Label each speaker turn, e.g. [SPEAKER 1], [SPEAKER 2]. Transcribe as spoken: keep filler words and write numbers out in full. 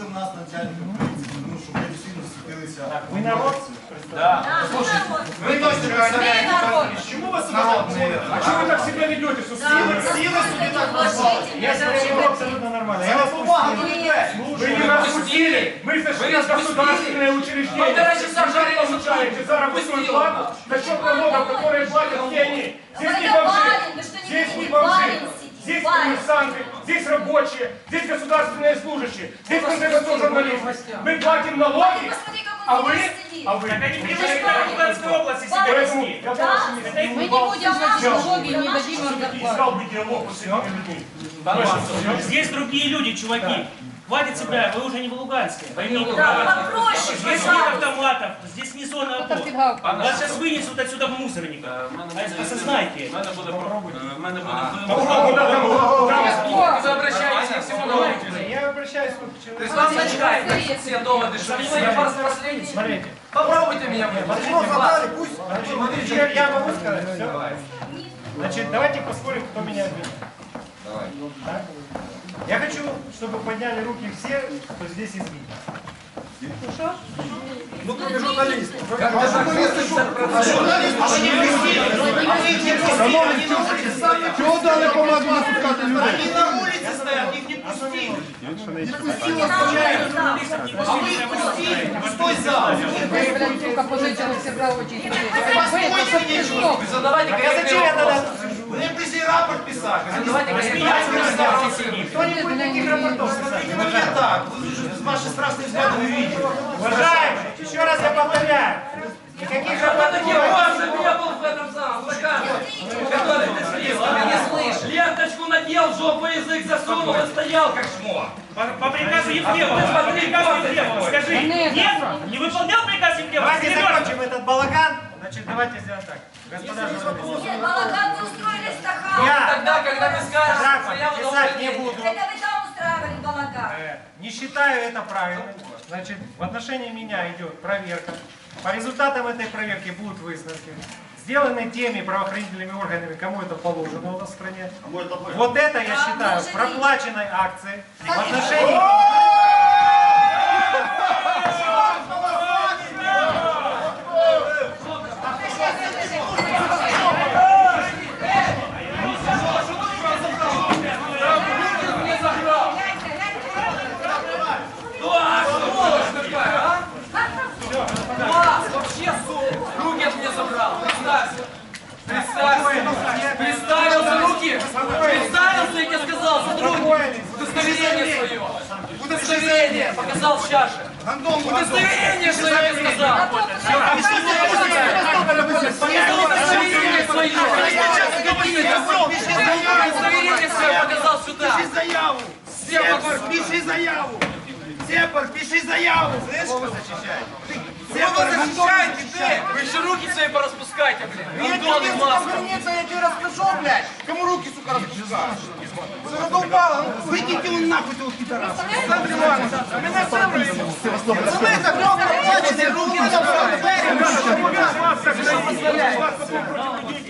[SPEAKER 1] у нас начальника полиции, ну, щоб ми всі зустрілися.
[SPEAKER 2] Ви народ?
[SPEAKER 1] Да.
[SPEAKER 3] Вы точно представляете,
[SPEAKER 2] Чему вас народные? А что вы так себя ведете?
[SPEAKER 1] Силы, силы себе так назвали.
[SPEAKER 2] Я смотрю абсолютно нормально. Я
[SPEAKER 1] Я
[SPEAKER 2] вас
[SPEAKER 1] бумагу
[SPEAKER 2] пустил.
[SPEAKER 1] не дай.
[SPEAKER 2] Вы не распустили. Мы зашли в государственное учреждение.
[SPEAKER 4] Полтора часа
[SPEAKER 2] Вы
[SPEAKER 4] жарили,
[SPEAKER 2] получаете заработную плату за счет налогов, которые платят все они. Здесь не бомжи, здесь не бомжи. Здесь коммерсанты, здесь рабочие, здесь государственные служащие, здесь, в конце концов, журналисты. Мы платим налоги, а вы... А вы...
[SPEAKER 5] Так они приехали на Луганскую область и себя
[SPEAKER 2] Поэтому
[SPEAKER 5] вести.
[SPEAKER 2] я прошу не
[SPEAKER 6] Мы не будем наши налоги и не дадим им зарплату.
[SPEAKER 2] искал бы диалог с этими людьми.
[SPEAKER 5] Здесь другие люди, чуваки. Хватит себя, вы уже не в Луганске. Поймите,
[SPEAKER 6] Да, попроще,
[SPEAKER 5] здесь нет
[SPEAKER 6] пожалуйста.
[SPEAKER 5] автоматов, здесь не зона опор. Вас сейчас вынесут отсюда в мусорник. Осознайте.
[SPEAKER 4] У мене буде в мене буде
[SPEAKER 2] Вы
[SPEAKER 4] обращаетесь к всему народу.
[SPEAKER 2] Я обращаюсь к
[SPEAKER 4] То есть
[SPEAKER 2] человеку.
[SPEAKER 4] вам зачитают все доводы, что я просто последний.
[SPEAKER 2] Смотрите.
[SPEAKER 4] Попробуйте меня.
[SPEAKER 2] Я, я могу сказать все? Значит, давайте поспорим, кто меня обидел. Так? Я хочу, чтобы подняли руки все, кто здесь из видео.
[SPEAKER 1] Ну, кроме журналистов.
[SPEAKER 3] Чого дали команду не пускати людей?
[SPEAKER 1] Они на улице стоят, их не пустили. Не пустили, а вы их пустили. Пустой зал.
[SPEAKER 6] Блядь, сука, позичили всегда очень
[SPEAKER 1] Вы задавайте,
[SPEAKER 2] А я зачем я тогда?
[SPEAKER 1] Вы пришли рапорт писать.
[SPEAKER 4] Давайте
[SPEAKER 2] Кто не будет таких рапортов?
[SPEAKER 1] Смотрите на меня так. Вы же ваши страшные взгляды вы видите.
[SPEAKER 2] Уважаемые, еще раз я повторяю. Никаких рапортов не будет.
[SPEAKER 4] Я был в этом самом стакане, который ты слил, а ты не слышишь. Ленточку надел, в жопу язык засунул и стоял как шмо.
[SPEAKER 5] По, по приказу Ефремова, по приказу Ефремова, скажи, нет, не выполнял приказ Ефремова?
[SPEAKER 2] Давайте закончим этот балаган. Значит, давайте сделаем так. Господа журналисты.
[SPEAKER 6] Нет, балаган вы устроили стахан.
[SPEAKER 2] Я
[SPEAKER 4] Тогда, когда ты скажешь,
[SPEAKER 2] так
[SPEAKER 4] что я
[SPEAKER 2] писать не буду.
[SPEAKER 6] Это вы там устраивали балаган.
[SPEAKER 2] Э, Не считаю это правильным. Значит, в отношении меня идет проверка. По результатам этой проверки будут выставки, сделаны теми правоохранительными органами, кому это положено у нас в стране. Вот это я считаю проплаченной акцией в отношении...
[SPEAKER 4] Руки от меня забрал. Представься. Представься. Представился, руки. Представился, я тебе сказал, сотрудник. Удостоверение свое. Удостоверение. Показал в чаше. Удостоверение свое я сказал. Удостоверение свое. Удостоверение свое показал сюда.
[SPEAKER 1] Пиши заяву. Сепар, пиши заяву. Сепар, пиши заяву. Слышишь, что вы защищаете?
[SPEAKER 4] Кого вы защищаете, ты? Вы еще руки свои пораспускайте, блин.
[SPEAKER 1] Я тебе, сука, вернется, я тебе расскажу, блядь. Кому руки, сука, распускаешь? Задолбало, ну выкиньте его нахуй, ты вот пидорас. Александр Иванович, а меня сам рассыл. Пацаны, так много плачете, руки забрали.